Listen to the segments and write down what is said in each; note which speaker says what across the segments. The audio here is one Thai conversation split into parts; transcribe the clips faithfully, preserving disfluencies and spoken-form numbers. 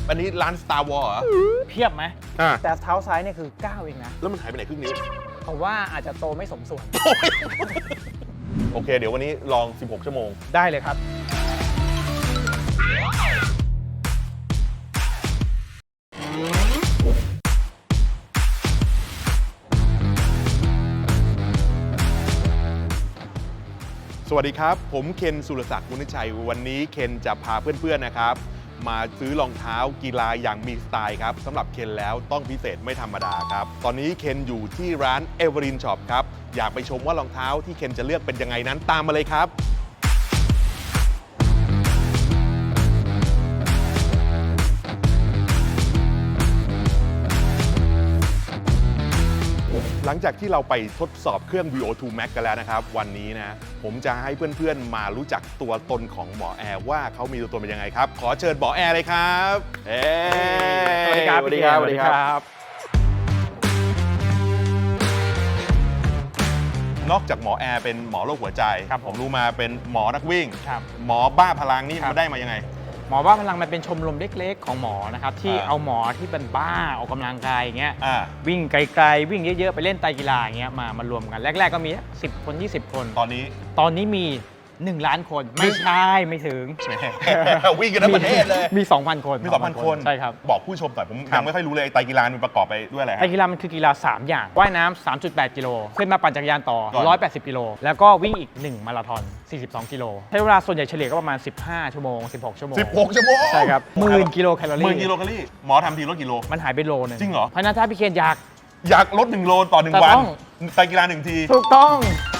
Speaker 1: อันนี้ร้าน Star Wars เหรอ
Speaker 2: เพียบไหม
Speaker 1: อ่า
Speaker 2: แต่เท้าซ้ายเนี่ยคือเก้าเองนะ
Speaker 1: แล้วมันหายไปไหนครึ่งนิ้ว
Speaker 2: ผมว่าอาจจะโตไม่สมส่วน
Speaker 1: โอเคเดี๋ยววันนี้ลองสิบหกชั่วโมง
Speaker 2: ได้เลยครับ
Speaker 1: สวัสดีครับผมเคนสุรศักดิ์มุนิชัยวันนี้เคนจะพาเพื่อนๆนะครับมาซื้อรองเท้ากีฬาอย่างมีสไตล์ครับสำหรับเคนแล้วต้องพิเศษไม่ธรรมดาครับตอนนี้เคนอยู่ที่ร้าน Everin Shop ครับอยากไปชมว่ารองเท้าที่เคนจะเลือกเป็นยังไงนั้นตามมาเลยครับหลังจากที่เราไปทดสอบเครื่อง วี โอ ทู Max กันแล้วนะครับวันนี้นะผมจะให้เพื่อนๆมารู้จักตัวตนของหมอแอร์ว่าเขามีตัวตนเป็นยังไงครับขอเชิญหมอแอร์เลยครับเฮ้
Speaker 2: สวัสดีครับสวัสดีครับสวัสดีครับ
Speaker 1: นอกจากหมอแอร์เป็นหมอโรคหัวใจครับผมรู้มาเป็นหมอนักวิ่ง
Speaker 2: ครับ
Speaker 1: หมอบ้าพลังนี่มาได้มายังไง
Speaker 2: หมอบ้าพลังมันเป็นชมรมเล็กๆของหมอนะครับที่เอาหมอที่เป็นบ้าออกกำลังกายอย่างเงี้ยวิ่งไกลๆวิ่งเยอะๆไปเล่นไตรกีฬาอย่างเงี้ยมามารวมกันแรกๆก็มีสิบคนยี่สิบคน
Speaker 1: ตอนนี้
Speaker 2: ตอนนี้มีหนึ่งล้านคนไม่ใช่ไม่ถึง
Speaker 1: วิ่งกันทั้งประเทศเลย
Speaker 2: มี สองพัน คน
Speaker 1: มี สองพัน คน
Speaker 2: ใช่ครับ
Speaker 1: บอกผู้ชมหน่อยผมยังไม่ค่อยรู้เลยไตรกีฬามันประกอบไปด้วยอะไร
Speaker 2: ไตรกีฬามันคือกีฬาสามอย่างว่ายน้ำ สามจุดแปด กิโลขึ้นมาปั่นจักรยานต่อหนึ่งร้อยแปดสิบกิโลแล้วก็วิ่งอีกหนึ่งมาราธอนสี่สิบสองกิโลใช้เวลาส่วนใหญ่เฉลี่ยก็ประมาณสิบห้าชั่วโมงสิบหกชั่วโมง
Speaker 1: สิบหกชั่วโมง
Speaker 2: ใช่ครับหมื่นกิโลแคลอรี่
Speaker 1: หมื่นกิโลแคลอรี่หมอทำทีลดกิโล
Speaker 2: มันหายไปโลนึง
Speaker 1: จริงเหรอ
Speaker 2: เพราะนั้นถ้าพี่เคนอยาก
Speaker 1: อยากลดหนึ่งโลต่อหนึ่งวันไตรกีฬาหนึ่งที
Speaker 2: ถูกต้อง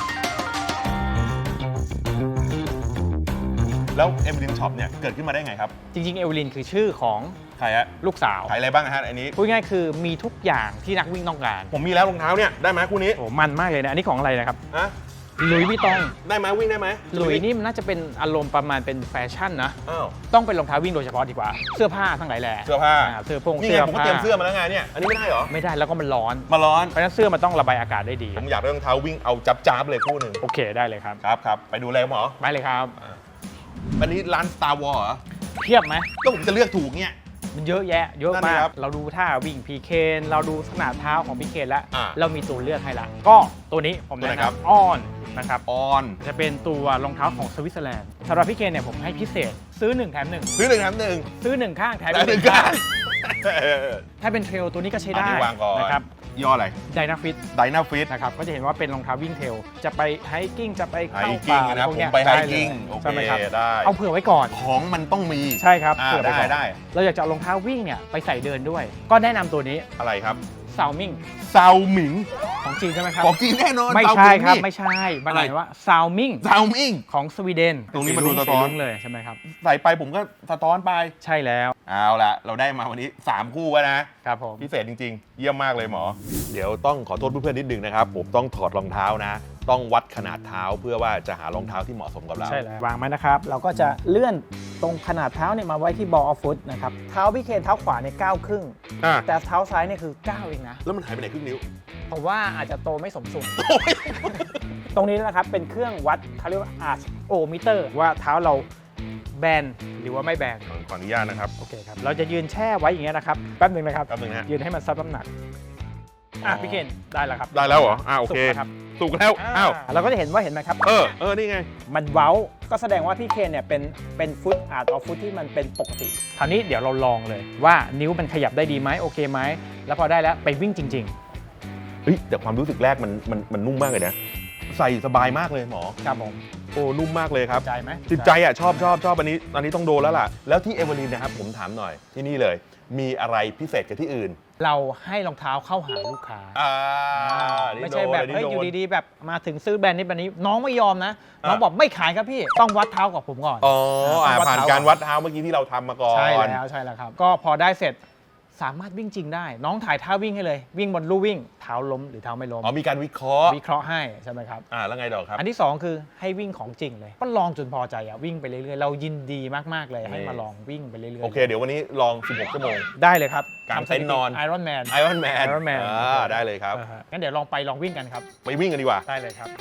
Speaker 1: แล้ว Everin Shop เนี่ยเกิดขึ้นมาได้ไงครับ
Speaker 2: จริงๆเอเวลินคือชื่อของ
Speaker 1: ใครฮะ
Speaker 2: ลูกสาว
Speaker 1: ขายอะไรบ้างฮะอันนี้
Speaker 2: พูดง่ายคือมีทุกอย่างที่นักวิ่งต้องการ
Speaker 1: ผมมีแล้วรองเท้าเนี่ยได้ไหมคู่นี้
Speaker 2: โอ้มันมากเลยนะอันนี้ของอะไรนะครับ
Speaker 1: ฮะ
Speaker 2: หลุยส์วิตตอง
Speaker 1: ได้ไหมวิ่งได้ไหม
Speaker 2: หลุยส์นี่มันน่าจะเป็นอารมณ์ประมาณเป็นแฟชั่นนะ
Speaker 1: อ้าว
Speaker 2: ต้องเป็นรองเท้าวิ่งโดยเฉพาะดีกว่าเสื้อผ้าทั้งหลายแหล่
Speaker 1: เสื้อผ้า
Speaker 2: เสื้อพง
Speaker 1: เสื้อผ้าผมก็เตรียมเสื้อมาแล้วไงเนี่ยอันนี้ไม่ได้เหรอ
Speaker 2: ไม่ได้แล้วก็มันร้อน
Speaker 1: มาร้อน
Speaker 2: เพราะฉะนั้นเสื้อมันต้องระบายอากาศได้ดี
Speaker 1: ผมอยากได้รองเท้าวิ่งเอาจับจับเลยคู่หนึ่ง
Speaker 2: โอเคได้เลยครับ
Speaker 1: ครับครับไปดูเลยหมอ
Speaker 2: ไปเลยครับ
Speaker 1: อันนี้ร้าน Star Wars เหรอ
Speaker 2: เพียบไหม
Speaker 1: ก็ผมจะเลือกถูกเนี่ย
Speaker 2: มันเยอะแยะเยอะมากเราดูท่าวิ่งพีเคนเราดูขนาดเท้าของพีเคนแล้วเรามีตัวเลือกให้ละก็ตัวนี้ผมแนะนำออนนะครับ
Speaker 1: ออน
Speaker 2: จะเป็นตัวรองเท้าของสวิตเซอร์แลนด์สำหรับพี่เคนเนี่ยผมให้พิเศษซื้อหนึ่งแถมหนึ่ง
Speaker 1: ซื้อหนึ่งแถมหนึ่ง
Speaker 2: ซื้อหนึ่งข้างแถม
Speaker 1: หนึ่งข้าง
Speaker 2: ถ้าเป็นเทรลตัวนี้ก็ใช้ได้นะครับ
Speaker 1: ย่ออะไร
Speaker 2: ไดนาฟิต
Speaker 1: ไดนาฟิต
Speaker 2: นะครับก็จะเห็นว่าเป็นรองเท้าวิ่งเทรลจะไปไฮกิ้งจะไปเข้า
Speaker 1: ป่านะผมไปไฮกิ้งโอเคได้
Speaker 2: เอาเผื่อไว้ก่อน
Speaker 1: ของมันต้องมี
Speaker 2: ใช่ครับ
Speaker 1: เผื่อได้ได้
Speaker 2: เราอยากจะเอารองเท้าวิ่งเนี่ยไปใส่เดินด้วยก็แนะนำตัวนี้
Speaker 1: อะไรครับ
Speaker 2: ซาวมิง
Speaker 1: ซาวมิง
Speaker 2: ของจีนใช่ไหมครับ
Speaker 1: ของจีนแน่นอน
Speaker 2: ไม่ใช่ครับไม่ใช่มันหมายว่าซาวมิง
Speaker 1: ซาวมิง
Speaker 2: ของสวีเดน
Speaker 1: ตรงนี้มันดูสะท้อน
Speaker 2: เลยใช่ไหมครับ
Speaker 1: ใส่ไปผมก็สะท้อนไป
Speaker 2: ใช่แล้ว
Speaker 1: เอาละเราได้มาวันนี้สามคู่แล้ว
Speaker 2: นะครับผม
Speaker 1: พิเศษจริงๆเยี่ยมมากเลยหมอเดี๋ยวต้องขอโทษเพื่อนๆนิดนึงนะครับผมต้องถอดรองเท้านะต้องวัดขนาดเท้าเพื่อว่าจะหารองเท้าที่เหมาะสมกับเรา
Speaker 2: ใช่แล้ววางไว้นะครับเราก็จะเลื่อนตรงขนาดเท้าเนี่ยมาไว้ที่บอลออฟฟุตนะครับเท้าพี่เคนเท้าขวาเนี่ยเก้าครึ่งแต่เท้าซ้ายเนี่ยคือเก้าเองนะ
Speaker 1: แล้วมันหายไปไหนครึ่งนิ้ว
Speaker 2: ผมว่าอาจจะโตไม่สมส่วนตรงนี้นะครับเป็นเครื่องวัดเขาเรียกว่าอาร์ชโอมิเตอร์ว่าเท้าเราแบนหรือว่าไม่แบน
Speaker 1: ขออนุญาตนะครับ
Speaker 2: โอเคครับเราจะยืนแช่ไว้อย่างเงี้ยนะครับแป๊บนึงนะครับ
Speaker 1: แป๊บนึงฮะ
Speaker 2: ยืนให้มันซับน้ำหนักอ่ะพี่เคนได้แล้วครับ
Speaker 1: ได้แล้วเหรออ่าโอเคถูกแล้วอ้าว
Speaker 2: เราก็จะเห็นว่าเห็นไหมครับ
Speaker 1: เออเออนี่ไง
Speaker 2: มันเว้าก็แสดงว่าพี่เคนเนี่ยเป็นเป็นฟุตอาร์ตออฟฟุตที่มันเป็นปกติคราวนี้เดี๋ยวเราลองเลยว่านิ้วมันขยับได้ดีไหมโอเคไหมแล้วพอได้แล้วไปวิ่งจริง
Speaker 1: ๆเฮ้ยแต่ความรู้สึกแรกมันมันมันนุ่มมากเลยนะใส่สบายมากเลยหมอ
Speaker 2: ครับผม
Speaker 1: โอ้นุ่มมากเลยครับ
Speaker 2: ติดใจไหม
Speaker 1: ติดใจอ่ะชอบชอบชอบอันนี้อันนี้ต้องโดนแล้วล่ะแล้วที่เอเวอร์ลินนะครับผมถามหน่อยที่นี่เลยมีอะไรพิเศษกับที่อื่น
Speaker 2: เราให้รองเท้าเข้าหาลูกค้าไม่ใช่แบบเฮ้ยอยู่ดีๆแบบมาถึงซื้อแบรนด์นี้แบรนด์นี้น้องไม่ยอมนะน้องบอกไม่ขายครับพี่ต้องวัดเท้ากับผมก่อน
Speaker 1: อ๋อผ่านการวัดเท้าเมื่อกี้ที่เราทำมาก่อน
Speaker 2: ใช่แล้วใช่แล้วครับก็พอได้เสร็จสามารถวิ่งจริงได้น้องถ่ายท่าวิ่งให้เลยวิ่งบนลู่วิ่งเท้าล้มหรือเท้าไม่ล้ม
Speaker 1: อ๋อมีการวิเคราะห์
Speaker 2: วิเคราะห์ให้ใช่ไหมครับ
Speaker 1: อ่าแล้วไงต่อครับ
Speaker 2: อันที่สองคือให้วิ่งของจริงเลยก็ลองจนพอใจอ่ะวิ่งไปเรื่อยๆเรายินดีมากๆเลยให้มาลองวิ่งไปเรื่อยๆ
Speaker 1: โอเคเดี๋ยววันนี้ลองสิบหกชั่วโมง
Speaker 2: ได้เลยครับ
Speaker 1: การเต้นนอน
Speaker 2: ไอรอนแมน
Speaker 1: ไอรอนแมน
Speaker 2: ไอรอนแมน
Speaker 1: อ่าได้เลยครับ
Speaker 2: งั้นเดี๋ยวลองไปลองวิ่งกันครับ
Speaker 1: ไปวิ่งกันดีกว่า
Speaker 2: ได้เลยครับ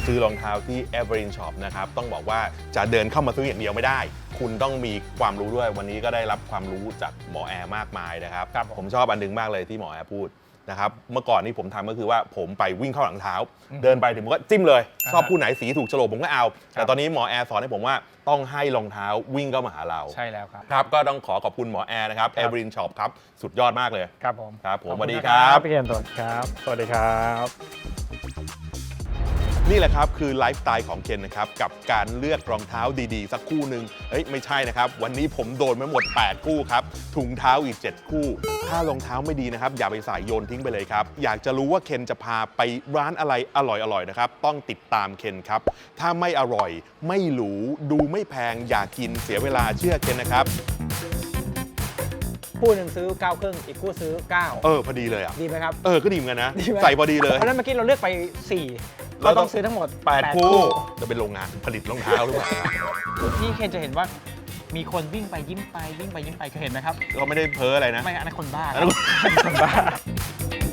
Speaker 1: ซื้อรองเท้าที่ Evergreen Shop นะครับต้องบอกว่าจะเดินเข้ามาซื้ออย่างเดียวไม่ได้ คุณต้องมีความรู้ด้วยวันนี้ก็ได้รับความรู้จากหมอแอร์มากมายนะครับ
Speaker 2: ครับผม
Speaker 1: ผมชอบอันนึงมากเลยที่หมอแอร์พูดนะครับเมื่อก่อนนี่ผมทำก็คือว่าผมไปวิ่งเข้าหลังเท้า เดินไปถึงผมก็จิ้มเลย ชอบคู่ไหนสีถูกโฉลกผมก็เอา แต่ตอนนี้หมอแอร์สอนให้ผมว่าต้องให้รองเท้าวิ่งเข้ามาหาเรา
Speaker 2: ใช่แล้วครับ
Speaker 1: ครับก็ต้องขอขอบคุณหมอแอร์นะครับ
Speaker 2: ครับ
Speaker 1: Evergreen Shop ครับสุดยอดมากเลย
Speaker 2: ครับผม
Speaker 1: ครับผม
Speaker 2: ขอ
Speaker 1: สวัสดี
Speaker 2: ณ
Speaker 1: ครับ
Speaker 2: พี่เคนสวัสดีครับ สวัสดีครับ
Speaker 1: นี่แหละครับคือไลฟ์สไตล์ของเคนนะครับกับการเลือกรองเท้าดีๆ สักคู่หนึ่งเฮ้ยไม่ใช่นะครับวันนี้ผมโดนมาหมดแปดคู่ครับถุงเท้าอีกเจ็ดคู่ ถ้ารองเท้าไม่ดีนะครับอย่าไปใส่โยนทิ้งไปเลยครับอยากจะรู้ว่าเคนจะพาไปร้านอะไรอร่อยๆนะครับต้องติดตามเคนครับถ้าไม่อร่อยไม่หรูดูไม่แพงอย่ากินเสียเวลาเชื่อเคนนะครับ
Speaker 2: คู่หนึ่งซื้อเก้าครึ่งอีกคู่ซื้อเก้า
Speaker 1: เออพอดีเลยอ่ะ
Speaker 2: ดีไหมครับ
Speaker 1: เออก็ดีเหมือนกันนะ
Speaker 2: ดีไหม
Speaker 1: ใส่พอดีเลย
Speaker 2: เพราะฉะนั้นเมื่อกี้เราเลือกไปสี่
Speaker 1: เรา
Speaker 2: ก็
Speaker 1: ต้
Speaker 2: ต้
Speaker 1: อ
Speaker 2: อง งซื้อทั้งหมด
Speaker 1: แปด
Speaker 2: แปด
Speaker 1: คู่จะเป็นโรงงานผลิตรองเท้าหรือเปล่า
Speaker 2: ที่เคนจะเห็นว่ามีคนวิ่งไปยิ้มไปวิ่งไปยิ้มไปเคยเห็นไหมครับ
Speaker 1: ก็ไม่ได้เพ้ออะไรนะ
Speaker 2: ไม่อันนั้นคนบ้า
Speaker 1: อันนั้น
Speaker 2: คนบ้า